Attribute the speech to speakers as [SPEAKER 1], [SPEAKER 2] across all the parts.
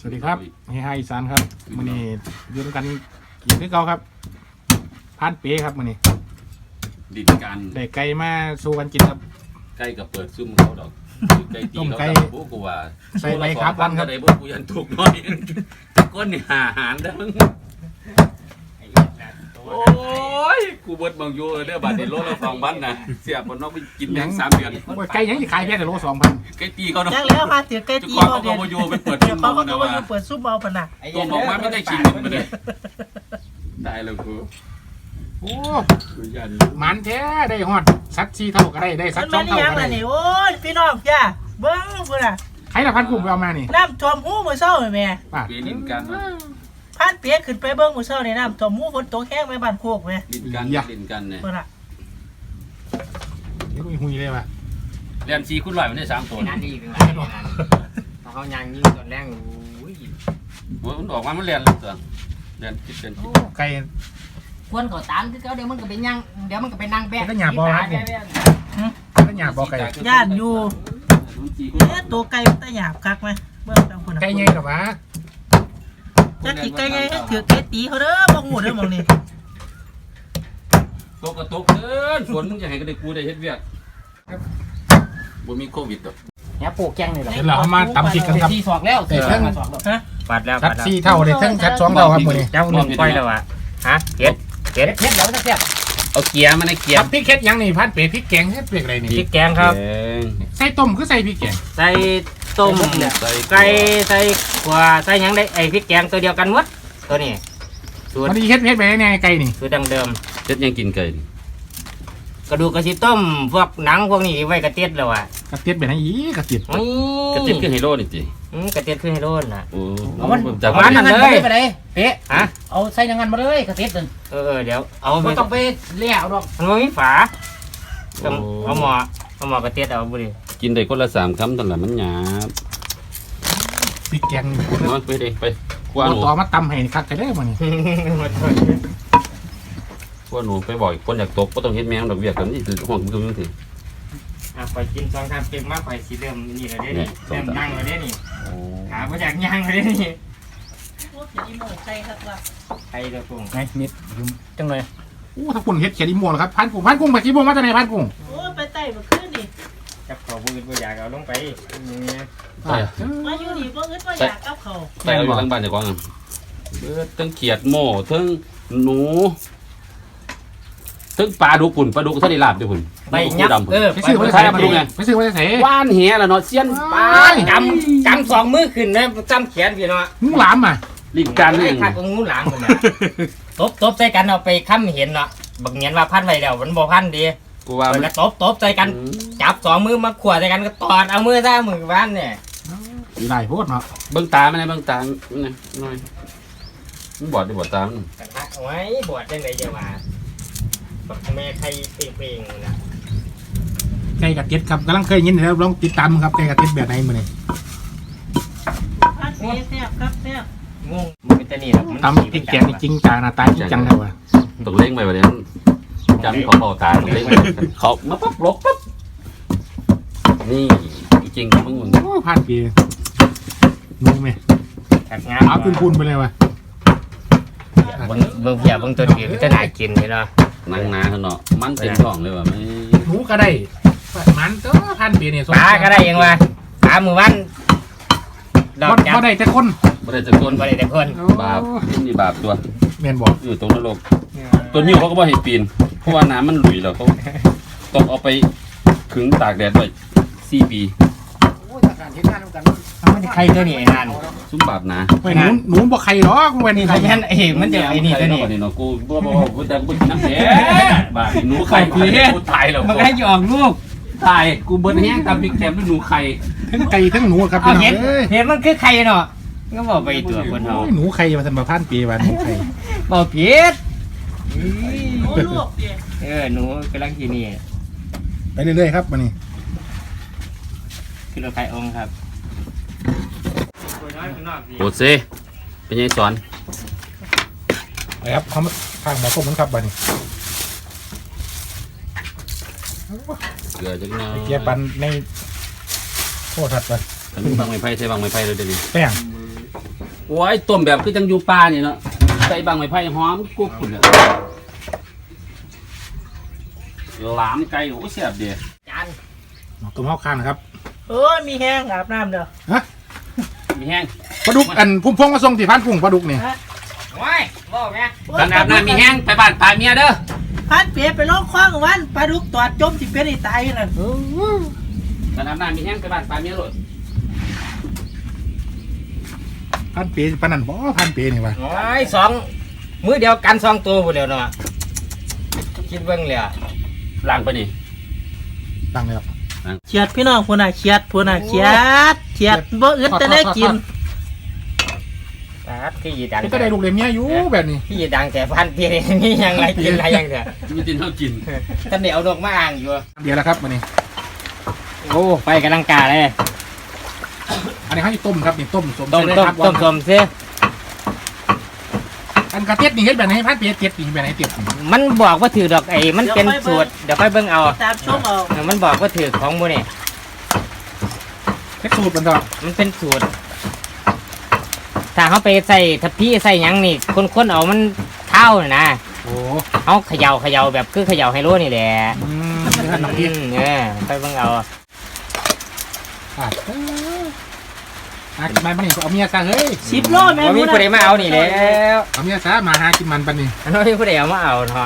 [SPEAKER 1] สวัสดีครับเฮฮาอีสานครับมื้อนี้ยืนกันกินด้วยเก่าครับพานเป๊ครับมื้อนี้
[SPEAKER 2] ดินกัน
[SPEAKER 1] ได้ไก่มาสู้กันกินครับ
[SPEAKER 2] ใกล้กับเปิดซุ่มเขาดอกไก่ตีเขาดอกกูว่า
[SPEAKER 1] ใส่ใบครับวันครับ
[SPEAKER 2] ได้บ่กูยันถูกน้อยก้นนี่หาอาหารเด้อโอ้ยกูเบิดบางอยู่เด้อบาดนี้โลละ2,000นะเสียบ่นอกไปกินแม่ง3 เดือน
[SPEAKER 1] ไก่ยังสิขายแค่แต่โล 2,000
[SPEAKER 2] ไก่ตีเขาดอก
[SPEAKER 3] จังแล้วค่ะเสียไก่ตี
[SPEAKER 2] เขาเดี๋ยวไปเปิดซุ่ม
[SPEAKER 3] เขา
[SPEAKER 2] เขานะ
[SPEAKER 3] ก็
[SPEAKER 2] ว่า
[SPEAKER 3] เปิดซุ่มเอาพนัก
[SPEAKER 2] ตัวออกมาไม่ได้กินมันเลยได้แล้วกู
[SPEAKER 1] โอ้
[SPEAKER 2] กูยัน
[SPEAKER 1] มันแท้ได้ฮอดสัตว์4 เท่าก็ได้สัตว์2 เท่าก็ได้
[SPEAKER 3] นี่โอ้ยพี่น้องจ้าเบิ้งพุ่นน่ะ
[SPEAKER 1] ใครละพันกุ้งไปเอามานี่
[SPEAKER 3] น้ำท่วมหูมื้อเช้าแม่
[SPEAKER 2] เปลี่ยนดินกัน
[SPEAKER 3] พานเปียกขึ้นไปเบิ้งมื้อเช้านี่น้ำท่วมหูฝนตกแห้งไปบ้านโคกแม่
[SPEAKER 2] ดินกันเนี่ย
[SPEAKER 3] พุ่นน่ะ
[SPEAKER 1] นี่หุยเลยว่ะ
[SPEAKER 2] เรียน4 คุณ100มันได้3 ตัว
[SPEAKER 4] นั่นดีเป็นไรนั่นเขายังยิงตอนแรกโอ้ย
[SPEAKER 2] มันออกมามันเรียนเลยตัวเรียนคิดเป็น
[SPEAKER 1] ไก่
[SPEAKER 4] ควรเขาตามคือเขาเดี๋ยวมันก็ไปยังเดี๋ยวมันก็ไปนั่งแบก
[SPEAKER 1] ก็หยาบบ่ครับก็หยาบบ่ไก่
[SPEAKER 3] ย่านอยู่ตัวไก่ตะหยาบคักมั้ยเบิ้งจังพุ่นน่ะ
[SPEAKER 1] ไก่ใหญ่ดอกวะ
[SPEAKER 3] จักสิไก่ใหญ่ถือไก่ตีเขาเด้อบ่ฮู้เด้อหม่องนี้
[SPEAKER 2] ตกกระตกเกินส่วนมึงจะให้ก็ได้กูได้เฮ็ดเวียกบ่มีโควิดดอก
[SPEAKER 4] เนี่ยปลูกแกงเลยหรอ
[SPEAKER 1] เดี๋ยวเราเอามาตำพริกกันครับ
[SPEAKER 4] ที่สอกแล้ว
[SPEAKER 1] แต่ทั้ง
[SPEAKER 3] ฮะ
[SPEAKER 4] ปัดแล้ว
[SPEAKER 1] สัตว์4 เท่าได้ทั้งสัตว์2 เท่าครับมื้อนี้
[SPEAKER 4] เจ้าหนุ่มก้อยแล้ววะฮะเผ็ดเดี๋ยวจะเสียบ
[SPEAKER 2] เอาเกียร์มาในเกีย
[SPEAKER 1] ครั
[SPEAKER 2] ร์
[SPEAKER 1] บพริกเฮ็ดยังนี่พันเป๊พริกแกงเฮ็ดเปียกอะไรนี่
[SPEAKER 4] พริกแกงครับ
[SPEAKER 1] ใส่ต้มคือใส่พริกแกง
[SPEAKER 4] ใส่ต้มไก่ใส่ขวาใส่ยังได้ไอพริกแกงตัวเดียวกันหมดตัวนี้สูตร
[SPEAKER 1] มันเฮ็ดไปได้ไงไก่นี่
[SPEAKER 4] สูตรดังเดิม
[SPEAKER 2] เฮ็ดยังกินไก่
[SPEAKER 4] กระดูกกระสิต้มพวกหนังพวกนี้ไว้กระเทียมแล้วอ่ะ
[SPEAKER 1] กระเทียมเป็นไงอีกระเทียม
[SPEAKER 2] กระติบคือไฮโลนี่ติ
[SPEAKER 4] กระเทียมคือให้โดนนะ
[SPEAKER 2] โอ้
[SPEAKER 4] เอามันนั่นเลยไปเลยเป๊ะฮะ
[SPEAKER 5] เอาใส่ยังงั้นมาเลยกระเทียมนึง
[SPEAKER 4] เดี๋ยวเอา
[SPEAKER 5] ไม่ต้องไปเลี้ยวหรอก
[SPEAKER 4] มันไม่มีฝาต้องเอาหม้อกระเทียมเอาบุรี
[SPEAKER 2] กินได้คนละ3 คำตอนละมันหยาบ
[SPEAKER 1] พริกแกง
[SPEAKER 2] มาไปเด้ไปคว้าหนู
[SPEAKER 1] ต่อมาตำให้คักกันได้บ่นี่
[SPEAKER 2] คว้าหนูไปบ่อยคนอยากตกบ่ต้องเฮ็ดแมงดอกเวียกกันนี่คือห่วงมึงสิ
[SPEAKER 4] ไปกิน2 3เต็มมากไปสีเดิมนี่เลยนี่เริ่มนั่งเลยนี่ขาไม่อยากย่างเลยนี่
[SPEAKER 3] โอ้ยอีหมูไก่ครับว่า
[SPEAKER 4] ไอ้เด้อกุ้ง
[SPEAKER 1] ไงนิดจังเลยโอ้ถ้าคุณเฮ็ดเขียดอีม่วงครับพันกุ้งไปกี่โมงมาจากไหนพันกุ้ง
[SPEAKER 3] โอ้ยไปไต่บ่ขึ้นนี่
[SPEAKER 4] จับเขาบืนบ่อยากเอาลงไป
[SPEAKER 3] มาอยู่นี่บ่อึดบ่อยากกับเขา
[SPEAKER 2] ใส่เอาอยู่ทั้งบ้านเจ้าของทั้งเขียดโม่ทั้งหนูทั้งปลาดุกปุ่นปลาดุกท่าได้ลาบด้วยปุ่น
[SPEAKER 4] ไปยับ
[SPEAKER 1] ไปซื้อมาจากไหนไปซื้อมาจากไหน
[SPEAKER 2] ว่านเหี้ยละเนาะเซียนปลา
[SPEAKER 4] จำ2 มือขึ้นนะจำแขนพี่เนาะ
[SPEAKER 1] งูหลามอ่ะ
[SPEAKER 2] ลิ้นการนี่
[SPEAKER 4] ไอ้ขาดของงูหลามคนน่ะตบใส่กันเอาไปค้ำเห็นเนาะบักเนียนว่าพันไว้แล้วมันบ่พันดี
[SPEAKER 2] กูว่า
[SPEAKER 4] แล้วตบใส่กันจับ2 มือมาขวดใส่กันก็ตอดเอามือซ่ามือบ้านเนี่ย
[SPEAKER 1] หลายโพดเนาะ
[SPEAKER 2] เบิ่งตามันเบิ่งตานี่หน่อยมันบอดได้บอดตามัน
[SPEAKER 4] กระทะไว้บวชจังไดจะว่าบักแม่ใครเปรี้ยงๆนะ
[SPEAKER 1] ไก่กระเทียมครับกำลังเคยยินแล้วลองติดตามครับไก่กระเทียมแบบไหนมื้อนี้
[SPEAKER 3] พันเปียแซ่บครับแซ่บ
[SPEAKER 4] งงมันเป็นตะนี่ครับ
[SPEAKER 1] ตำพริกแกงนี่จริงจังหน้าตาจริงจังเลยว่ะ
[SPEAKER 2] ต้องเล่งไปแบบนี้จำเขาเบาตาต้องเล่งเขามาปั๊บลบปั๊บนี่จริงมึง
[SPEAKER 1] โอ้พันปีงูแม่
[SPEAKER 4] ขัดงาน
[SPEAKER 1] เอาขึ้นพูนไปเลยว่ะ
[SPEAKER 4] เบิ่งเพียเบิ่งตัวนี้จะน่ากินเลยเนาะ
[SPEAKER 2] นั่งนาเนาะมันเต็มท้องเลยว่ะไม่
[SPEAKER 1] หนูก็ได้มันก็พันปีเนี่ย
[SPEAKER 4] ปลาก็ได้ยังวะปลาหมู่บ้านดอกจับ
[SPEAKER 1] บ่ได้แต่คน
[SPEAKER 2] ไม่ได้จะก้น
[SPEAKER 4] บ่ได้แต่คน
[SPEAKER 2] บาปนี่บาปตัว
[SPEAKER 1] แม่นบอก
[SPEAKER 2] อยู่ตรงนรกตัวนิ้วเขาก็บ่ให้ปีนเพราะว่าน้ำมันหลุยแล้วเขาต้องเอาไปขึงตากแดดไว้4 ปี
[SPEAKER 4] มันจะใครตัวนี้ไอ้นั่น
[SPEAKER 2] ซุ้มบาปนะ
[SPEAKER 1] เว้ยหนูบ่ใครหรอกเว้ยนี่
[SPEAKER 4] ไอ้ยันไอ้มันจะไอ้นี่ตัวนี้
[SPEAKER 2] เนาะกูบ่แต่กูน้ำแดงบาปหนูไข่กูตายแล้ว
[SPEAKER 4] มันก็ให้หยอกลูก
[SPEAKER 2] ตายกูเบิ้ลแห้งตามพริกแกงด้วยหนูไข่
[SPEAKER 1] ทั้งไก่ทั้งหนูครับ
[SPEAKER 4] เอา
[SPEAKER 1] พี่น้อง
[SPEAKER 4] เห็น
[SPEAKER 1] เอ้ย
[SPEAKER 4] เห็นมันคือใครเนาะก็บอกไปตัวคนเขา
[SPEAKER 1] หนูไข่มาทำมาพันปีวันหนูไข่
[SPEAKER 4] บอกผิด
[SPEAKER 3] โอ้ลูกเปีย
[SPEAKER 4] หนูกำลังกินนี่
[SPEAKER 1] ไปเรื่อยๆครับวันนี้
[SPEAKER 4] คือเราไข่องครับ
[SPEAKER 2] โอเซเป็นยังสอน
[SPEAKER 1] ไปครับเขามาทางหมอส้มมันครับวันนี้
[SPEAKER 2] เกลือจังเนาะ
[SPEAKER 1] เกียร์ปันในโคตรทัดไป
[SPEAKER 2] บางไม้ไผ่ใช่บางไม้ไผ่เลยเดี๋ยวนี้
[SPEAKER 1] แป้ง
[SPEAKER 2] โอ้ยต้มแบบคือจังอยู่ป่านี่เนาะใส่บางไม้ไผ่หอมกุ๊บพุ่นเลยหลามไก่โอ้แซ่บเดี
[SPEAKER 4] จาน
[SPEAKER 1] ต้มข้าวข้างนะครับ
[SPEAKER 3] โอ้ยมีแห้งอาบน้ำเด้อ
[SPEAKER 1] ฮะ
[SPEAKER 2] มีแห้ง
[SPEAKER 1] ปลาดุกอันพุ่มพวงมาส่งที่พันพุ่งปลาดุกนี่
[SPEAKER 4] โอ้ยบอกแม่
[SPEAKER 2] กันอาบน้ำมีแห้งไปบ้านปลาเมียเด้อ
[SPEAKER 3] พันเปียไปลองคว้างวันปลาดุกตอดจมสิเป็นไอ้ตายนั่น
[SPEAKER 2] กันอาบน้ำมีแห้งไปบ้านปลาเมียโลด
[SPEAKER 1] พันเปปานนันบ่พันเปนี่วะ
[SPEAKER 4] โอ้ยสองมือเดียวกันสองตัวพูดเดียวเนาะคิดเบิ่งเลยอะ
[SPEAKER 2] ล้างไปนี่
[SPEAKER 1] ตั้งแล้ว
[SPEAKER 3] เฉียดพี่น้องพุ่นน่ะเฉียดพุ่นน่ะเฉียดบ่อึดแต่ได้กิน
[SPEAKER 4] ครับที่ยีดัง
[SPEAKER 1] ก็ได้ลูกเลยเมียอยู่แบบนี้
[SPEAKER 4] ที่ยีดังแต่พันเพียงนี่ยังไรกินอะไรยังเถอะ
[SPEAKER 2] มีตินเท่ากิน
[SPEAKER 4] ท่านเดี๋ยวเอาดอกมาอ่างอยู่
[SPEAKER 1] เดี๋ยวแล้วครับวันนี้
[SPEAKER 4] โอ้ไปกำลังกาเลย
[SPEAKER 1] อันนี้เขาจะต้มครับนี่ต้มสม
[SPEAKER 4] ต้ม
[SPEAKER 1] ใส่
[SPEAKER 4] ต้ม
[SPEAKER 1] ได้ครับ
[SPEAKER 4] ต้มสมซิ
[SPEAKER 1] อันกระเทียดนี่เฮ็ดแบบไหนพันเปเทียดนี่แบบไหนเทียดนี่
[SPEAKER 4] มันบอกว่าถือดอกไอ้มันเป็นสูตรเดี๋ยวค่อยเบิ่งเอา
[SPEAKER 3] ตามชมเอา
[SPEAKER 4] มันบอกว่าถือของมูนี่
[SPEAKER 1] เฮ็ดสูตรมันต่อ
[SPEAKER 4] มันเป็นสูตรถ้าเขาไปใส่ทัพพี่ใส่หยังนี่คนๆเอามันเท่าน่ะนะ
[SPEAKER 1] โอ้
[SPEAKER 4] เขาเขย่าแบบคือเขย่าไฮโลนี่แหละ
[SPEAKER 1] นี่ขนมเทียด
[SPEAKER 4] ค่อยเบิ่งเอา
[SPEAKER 1] อ่ะมานี่เอาเมียซะเฮ้ย
[SPEAKER 3] 10 โลแม่
[SPEAKER 4] ว่ามีผู้ใดมาเอานี่แล้ว
[SPEAKER 1] เอาเมียซะมาหากินมันปันนี่
[SPEAKER 4] อันนั้นมีผู้ใดเอามาเอาเนาะ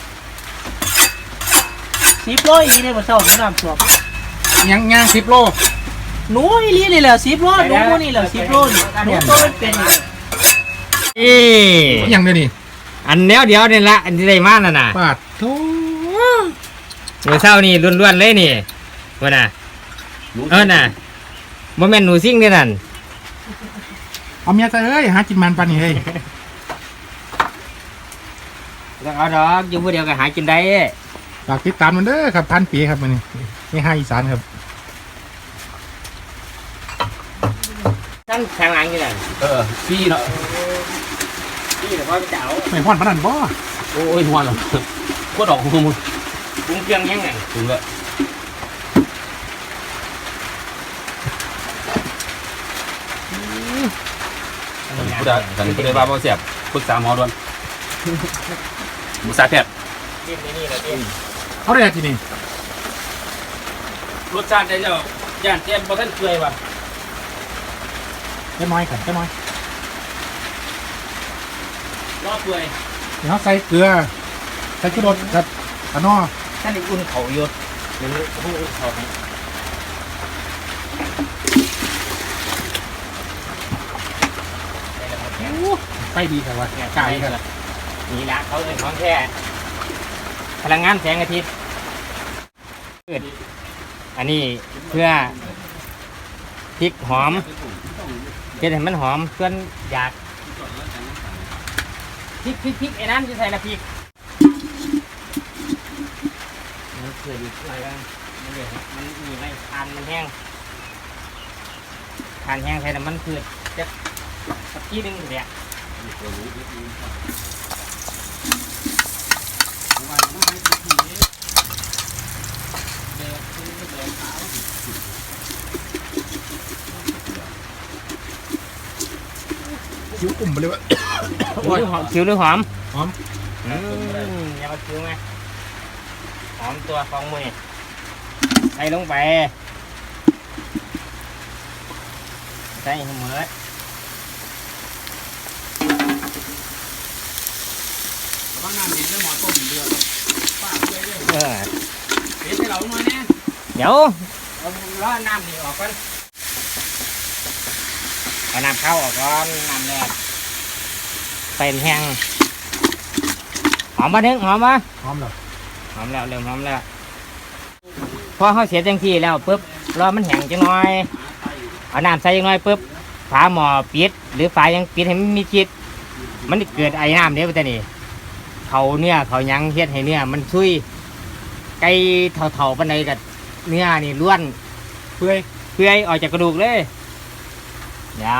[SPEAKER 3] 10 โลอีเนี่ยบ่เท่าน้ำท่วม
[SPEAKER 1] ย่าง10 โล
[SPEAKER 3] หนูอีหลีนี่แหละ10 โลหนูนี่แหละ10 โลนี่หนูตัวมันเป็นนี่
[SPEAKER 4] นี่
[SPEAKER 1] อย่างเดียวนี่
[SPEAKER 4] อันเดียวนี่ละอันที่ได้มานั่นน่ะ
[SPEAKER 1] ปาดโธ่
[SPEAKER 4] หนูเศร้านี่ล้วนๆเลยนี่ว่าน่ะน่ะบ่แม่นหนูซิ่งเด้นั่น
[SPEAKER 1] เอาเมียซะเฮ้ยหากินมันปันนี่เฮ้ย
[SPEAKER 4] ต้องเอาดอกอยู่ผู้เดียวก็หากินได้
[SPEAKER 1] ฝากติดตามมันเด้อครับพันปีครับมันนี่นี่ให้อีสานครับ
[SPEAKER 4] ท่านข้างหลังอยู่นั่น
[SPEAKER 2] พี่เนาะ
[SPEAKER 4] พี่เดี๋ยวพ่อไปเจ้า
[SPEAKER 1] ไม่พ่อนปานนันบ่
[SPEAKER 2] โอ้ยหัวหรอโคตรออกหัวมึง
[SPEAKER 4] ปรุงเครื่องยังไง
[SPEAKER 2] ถึงแล้วผู้ใดกันผู้ใดว่าบ่เสียบปรึกษาหมอด่วนปรึกษาแพทย์
[SPEAKER 4] นี่แหละพี่
[SPEAKER 1] เขาได้ทีนี่
[SPEAKER 2] รสชาติได้แล้วย่านเตี้ยนบ่ทันเปื่อยว่ะ
[SPEAKER 1] แค่น้อยกันแค่น้อย
[SPEAKER 2] รอเปื่อย
[SPEAKER 1] เดี๋ยวเขาใส่เกลือใส่ชูรสครับอันนอ
[SPEAKER 4] ท่านได้อุ่นเขาอยู่เดี๋ยวอุ่นเขาให้
[SPEAKER 1] ไปดีครับว่าไก่ครับ
[SPEAKER 4] นี่ละเขาเป็นของแท้พลังงานแสงอาทิตย์อันนี้เพื่อพริกหอมเฮ็ดให้มันหอมเพื่อนอยากพริกไอ้นั่นจะใส่ละพริกมันเกิดอีกอะไรบ้างมันเดี๋ยวมันมีไม่ทานมันแห้งทานแห้งใส่น้ำมันพืชจะสักทีนึงเดี๋ยว
[SPEAKER 1] คิ้วอุ่มไปเลยว่า
[SPEAKER 4] คิ้วหรือหอม
[SPEAKER 1] หอม
[SPEAKER 4] อย่ามาคิ้วไหมหอมตัวฟองมือใส่ลงไปใส่ให้หมด
[SPEAKER 2] บางน้ำเห็นแล้วหมอต้มเดือดป้าเปื่อยเลย
[SPEAKER 4] เออ
[SPEAKER 2] เห็นให้เราหน่อยแน่
[SPEAKER 4] เดี๋ยวเอาล้อน้ำนี่ออกก่อนเอาน้ำเข้าออกก่อนน้ำแรกเป็นแห้งหอมมาเด้งหอมมา
[SPEAKER 1] หอมเหรอ
[SPEAKER 4] หอมแล้วเริ่มหอมแล้วพอเขาเสียจังที่แล้วปุ๊บรอมันแห้งจังหน่อยเอาน้ำใส่จังหน่อยปุ๊บฝาหม้อปิดหรือฝายังปิดให้มันมีชิดมันเกิดไอ้น้ำเนี้ยไปแต่นี่เขาเนื้อเขายังเฮ็ดให้เนื้อมันซุยไก่เท่าๆปานใดกับเนื้อนี่ล้วน
[SPEAKER 1] เปื่อย
[SPEAKER 4] เปื่อยออกจากกระดูกเลยเดี๋ยว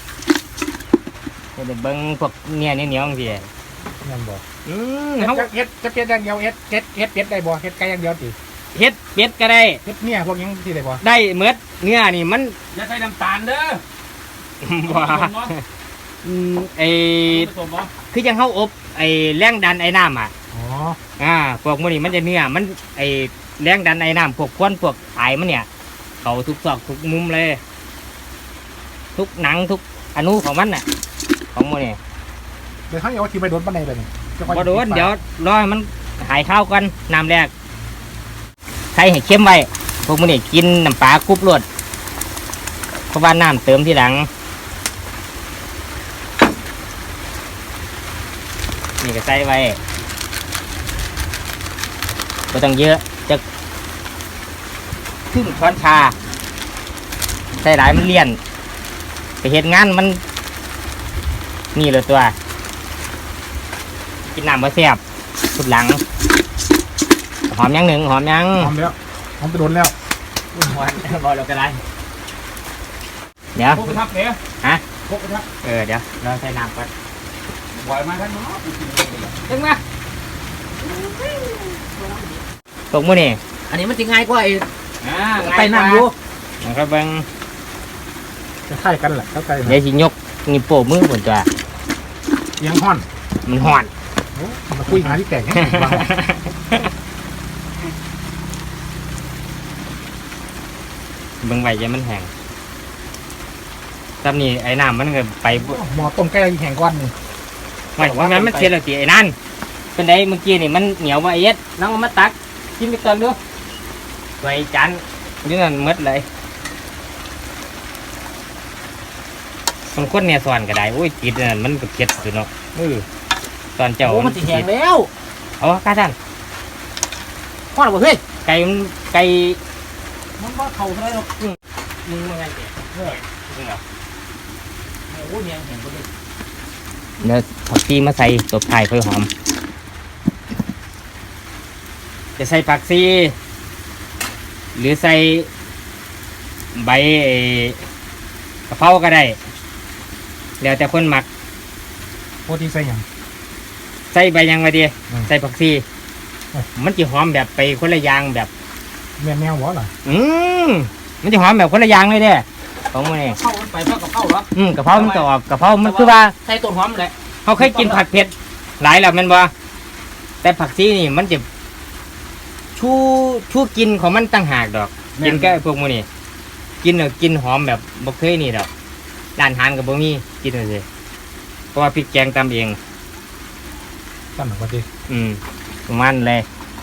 [SPEAKER 4] เดี๋ยวเบิ้งพวกเนื้อเหนียวๆจังซี่
[SPEAKER 1] นั่นบ่
[SPEAKER 4] เขา
[SPEAKER 1] เฮ็ดจะเป็ดอย่างเดียวเฮ็ดเป็ดได้บ่เฮ็ดไก่อย่างเดียวติ
[SPEAKER 4] เฮ็ดเป็ดก็ได้
[SPEAKER 1] เฮ็ดเนี่ยพวกยังที่ได้บ่
[SPEAKER 4] ได้เมือดเนื้อนี่มัน
[SPEAKER 2] อย่าใส่น้ำตาลเด้อ
[SPEAKER 4] ว่าไอ้คือยังเข้าอบไอ้แรงดันไอ้น้ำอ่ะ
[SPEAKER 1] อ๋อ
[SPEAKER 4] พวกมันนี่มันจะเนื้อมันไอ้แรงดันไอ้น้ำพวกควันพวกไอมันเนี่ยเขาทุกซอกทุกมุมเลย ทุกหนังทุกอนุของมันน่ะของมันนี่
[SPEAKER 1] เดี๋ยวเขาเอาทีไปโดนปันในเลยนี่
[SPEAKER 4] พอโดนเดี๋ยวรอให้มันหายข้าวกันน้ำแรกใส่ให้เข้มไว้พวกมันนี่กินน้ำปลากรุบรวดเพราะว่าน้ำเติมทีหลังนี่ก็ใส่ไว้ไม่ต้องเยอะจะครึ่งช้อนชาใส่หลายมันเลี่ยนไปเห็นงานมันนี่เลยตัวกินน้ำมาแซ่บสุดหลังหอมยังหนึ่งหอมยัง
[SPEAKER 1] หอมแล้วหอมไปโดนแล้ว
[SPEAKER 4] หอมบอเราก็ได้เดี๋ยว
[SPEAKER 1] พกกระทับเนี่ย
[SPEAKER 4] ฮะ
[SPEAKER 1] พกกระทับ
[SPEAKER 4] เดี๋ยวเราใส่น้ำก่อน
[SPEAKER 2] บ่อยมาทั้งเนาะ
[SPEAKER 4] ดึงมาตกมือนี่
[SPEAKER 5] อันนี้มันจะง่ายกว่าไอ้
[SPEAKER 4] ไป
[SPEAKER 5] ไปน้ำอยู่
[SPEAKER 4] นะครับเบิ้ง
[SPEAKER 1] จะใช่กันแหละเข้าใจ
[SPEAKER 4] เดี๋ยวสิยกนี่โป้มือบนตัว
[SPEAKER 1] เสียงห่อน
[SPEAKER 4] มันห่อน
[SPEAKER 1] โอ้มาคุยหาที่แก่งให้ฟัง
[SPEAKER 4] เบิ้งไว้จะมันแห้งตำนี่ไอ้น้ำมันก็ไปบ่
[SPEAKER 1] หมอต้มไก่แข่งก้อนนี่
[SPEAKER 4] ไม่ว่ามันเสียแล้วตีไอ้นั่นเป็นไดเมื่อกี้นี่มันเหนียวมาเอ็ดน้องเอามาตักกินไปก่อนดูไว้จานนี่นั่นหมดเลยมันคนเนี่ยสอนก็ได้โอ้ยจิตนั่นมันก็เก็ดอยู่เนาะตอนเจ้า
[SPEAKER 5] โอ้มันจะแห้งแล้ว
[SPEAKER 4] เอาข้าท่าน
[SPEAKER 5] พ่อหรอเฮ้ย
[SPEAKER 4] ไก่มันไก่
[SPEAKER 5] มันว่าเข่าเท่าไรหรอก
[SPEAKER 4] มึงว่าไงเด็กจริงเหรอ
[SPEAKER 5] โอ้ยแห้งแห้งหมดเลย
[SPEAKER 4] เดี๋ยวผักชีมาใส่ตบไทยค่อยหอมจะใส่ผักชีหรือใส่ใบกะเพราก็ได้แล้วแต่คนหมัก
[SPEAKER 1] โปรตีนใส่หยัง
[SPEAKER 4] ใส่ใบยังไงดี
[SPEAKER 1] อืม
[SPEAKER 4] ใส่ผักชีมันจะหอมแบบไปคนละอย่างแบบ
[SPEAKER 1] แม่แมวหัวเหรอ
[SPEAKER 4] มันจะหอมแบบคนละอย่างเลยเด้ของมันนี่
[SPEAKER 5] เข้ามันไปเพราะกับเข้าเหรอก
[SPEAKER 4] ะเพรามันก็ออกกะเพรามันคือว่า
[SPEAKER 5] ใส่ต้นหอมแหละ
[SPEAKER 4] เขาเคยกินผัดเผ็ดหลายแล้วแมันบ่แต่ผักชีนี่มันจะชูกินของมันตั้งหากดอกกินก็พวกมันนี่กินกินหอมแบบบ่เคยนี่ดอกร้านอาหารกับบ่มีกินเลยเพราะว่าพริกแกงตำเอง
[SPEAKER 1] ตั้งหนักกว่าที
[SPEAKER 4] ประมาณเลย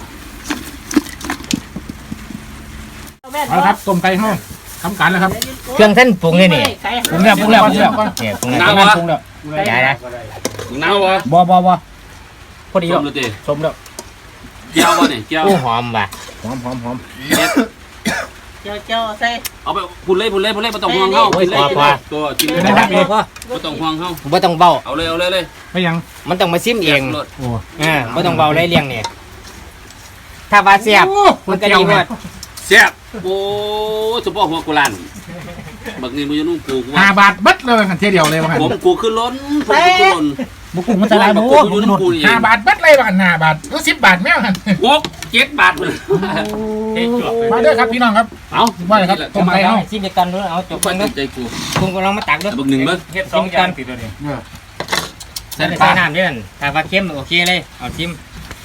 [SPEAKER 1] เอาละครับต้มไก่ห้องทำการแล้วครับ
[SPEAKER 4] เครื่องเส้นปรุงนี่นี่
[SPEAKER 5] ไก่
[SPEAKER 1] ปรุงแล้วปรุงแล้วปรุงแล้ว
[SPEAKER 4] เนี่ยปรุงแล้ว
[SPEAKER 2] น้ำวะ
[SPEAKER 1] ปรุงแล้ว
[SPEAKER 4] ได้นะ
[SPEAKER 2] น้ำวะ
[SPEAKER 1] บ่พอดี
[SPEAKER 2] ส้
[SPEAKER 1] แล้ว
[SPEAKER 2] มเลยติ
[SPEAKER 1] ชมแล้ว
[SPEAKER 2] เจียววะเนี่ยเจียว
[SPEAKER 4] โอ้หอมว่ะ
[SPEAKER 1] หอมหอมหอม
[SPEAKER 2] เด็ด
[SPEAKER 3] เจ้าใส่
[SPEAKER 2] เอาไปพูดเลยไม่ต้องห่วงเข้ากินเลยตัวกินเลย
[SPEAKER 1] เป็นไงครับพี่
[SPEAKER 2] ไม่ต้องห่วงเข้า
[SPEAKER 4] บ่ต้องเบา
[SPEAKER 2] เอาเลย
[SPEAKER 1] ไม่ยัง
[SPEAKER 4] มันต้องมาซิมเอง
[SPEAKER 1] โอ้
[SPEAKER 4] บ่ต้องเบาเลยเลี้ยงเนี่ยถ้าว่าเสียบมันก็ดีหมด
[SPEAKER 2] แซ่บโอ้เฉพาะหัวกุหลาบบักนี่มึงจะนุ่งปูกู
[SPEAKER 1] 5 บาทเบัดเลยกันเทียเดียวเลยว่า
[SPEAKER 2] ผมกูขึ้นล้นผมกูขึ้นล้น
[SPEAKER 1] บุกุ้งมันจะลายบุ
[SPEAKER 2] กูอยู่น้ำปูนี่
[SPEAKER 1] 5 บาทเบัดเลยว่ากัน5 บาทหรือ10 บาทแม่กัน
[SPEAKER 2] 6-7 บาทเลย
[SPEAKER 1] มาเด้อครับพี่น้องครับ
[SPEAKER 2] เอา
[SPEAKER 1] ว่าเลยครับต้มไก่ห้อง
[SPEAKER 4] ซิมเดียวกันด้วยเอาจบ
[SPEAKER 2] ไป
[SPEAKER 4] กันด้วย
[SPEAKER 2] ใจกู
[SPEAKER 4] ปรุงก็ลองมาตักด้วย
[SPEAKER 2] บักหนึ่งมั้ง
[SPEAKER 4] เฮ็ดสองอย่างติดเลย ใส่น้ำด้วยนั่นถ้าว่าเค็มโอเคเลยเอาชิม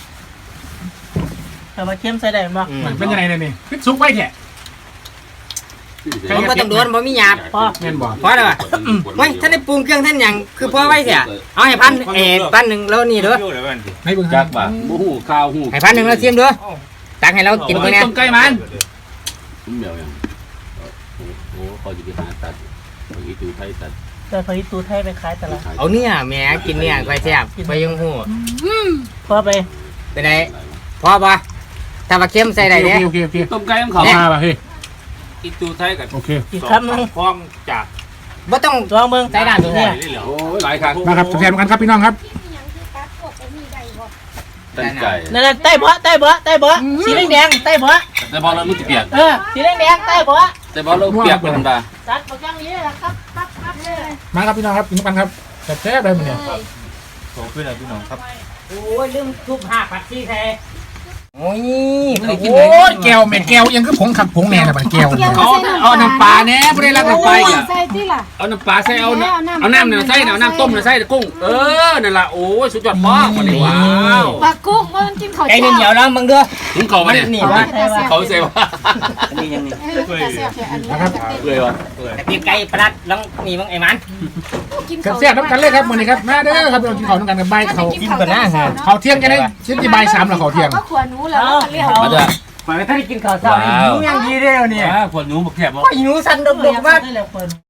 [SPEAKER 3] แต่ว่าเข้มใส่ได้บ่
[SPEAKER 1] เป็นยังไงเนี่ยนี่พิษซุกไว้แท้
[SPEAKER 4] มันก็ต้องโดนบ่มีหยาบพอ
[SPEAKER 1] แม่นบ่
[SPEAKER 4] พอแล้วว่ะไว้ท่านได้ปรุงเครื่องท่านหยังคือพอไว้เสียเอาให้พันหนึ่งแล้วนี่เด้อ
[SPEAKER 1] ให้เบิ่ง
[SPEAKER 2] จักบ่หูข้าวหู
[SPEAKER 4] ให้พันหนึ่งแล้วชิมเด้อตักให้เรากินตัวเนี้ย
[SPEAKER 5] ต้มไก่มัน
[SPEAKER 2] เดี๋ยวยังโอ้คอยจะไปหาตัดอีตูไทยตัด
[SPEAKER 3] แต่พอตูไทยไปขายตลาด
[SPEAKER 4] เอาเนี่ยแหม่กินเนี่ยไปแซ่บไปยังหู
[SPEAKER 3] พอไป
[SPEAKER 4] เป็นไงพอปะถ้าว่าเค็มใส่ได้เนี่ย
[SPEAKER 1] โอเค
[SPEAKER 2] ต้มไก่ของเขา
[SPEAKER 1] มาป่ะเฮ้ย
[SPEAKER 2] อีตูไทยกับ
[SPEAKER 1] โอเค
[SPEAKER 3] อีกคำนึง
[SPEAKER 2] พร้อมจาก
[SPEAKER 4] บ่ต้อง
[SPEAKER 3] ลองเบิ่งใส่น้ำตัวเนี้ย
[SPEAKER 2] โอ้หลายครั้ง
[SPEAKER 1] มาครับแซมกันครับพี่น้องครับ
[SPEAKER 2] ตั้งใจ
[SPEAKER 3] นั่นน่ะใต้เบาะสีแดงๆใต้เบาะ
[SPEAKER 2] แต่พอเราไม่เปียก
[SPEAKER 3] สีแดงๆใต้เบาะ
[SPEAKER 2] แต่พอเราเปียกเป็นธรรมดา
[SPEAKER 3] ตัดประจังนี้นะครับเลย
[SPEAKER 1] มาครับพี่น้องครับกินกันครับแซ่บๆเลยมันเนี่ย
[SPEAKER 4] โอ้ยลืมทุบหักผักชีแท้โอ้ย
[SPEAKER 1] โอ้ยแก้วแม่แก้วยังคือผงขับผงแน่ละบัดแก้วเอาน้ำปลาแน่บ่ได้รักน้ำปลาอีก
[SPEAKER 6] ใส่ที่ล่ะ
[SPEAKER 2] เอาน้ำปลาใส่เอาน้ำเนี่ยใส่เอาน้ำต้มเนี่ยใส่กุ้งนั่นล่ะโอ้ยสุดยอดมากวันนี้ว้าว
[SPEAKER 6] ปลากุ้งว่ามันกินข้าว
[SPEAKER 4] ไก่เหนียวแล้วมึงเด้อ
[SPEAKER 2] ถึงเขามาเนี่ย
[SPEAKER 4] นี่วะ
[SPEAKER 2] เขาเสียว่า
[SPEAKER 4] อันนี้ยังนี่
[SPEAKER 6] แต่แซ่บแค่อันนี้
[SPEAKER 2] เลยวะ
[SPEAKER 4] แต่ตีไก่ปลัดแล้วนี่มึงไอ้มัน
[SPEAKER 6] กินข้าว
[SPEAKER 1] แซ่บๆน้ำกันเลยครับมื้อนี้ครับมาเด้อครับเรากินข้าวน้ำกันกับใบเขา
[SPEAKER 4] กินก่อนนะฮะ
[SPEAKER 1] เขาเที่ยงกันได้ชิ้นที่ใบ3แล้วเขาเที่ยง
[SPEAKER 6] ก็ขวานูแล้วก็เลี้ยว
[SPEAKER 2] มาด้วย
[SPEAKER 4] ไปถ้าได้กินข้าวเช้าหนูยังดีเด้อเนี่ย
[SPEAKER 2] คนหนูบอกแคบบอก
[SPEAKER 4] หนูสั่นดกๆว่า
[SPEAKER 3] ได้แล้วเปิด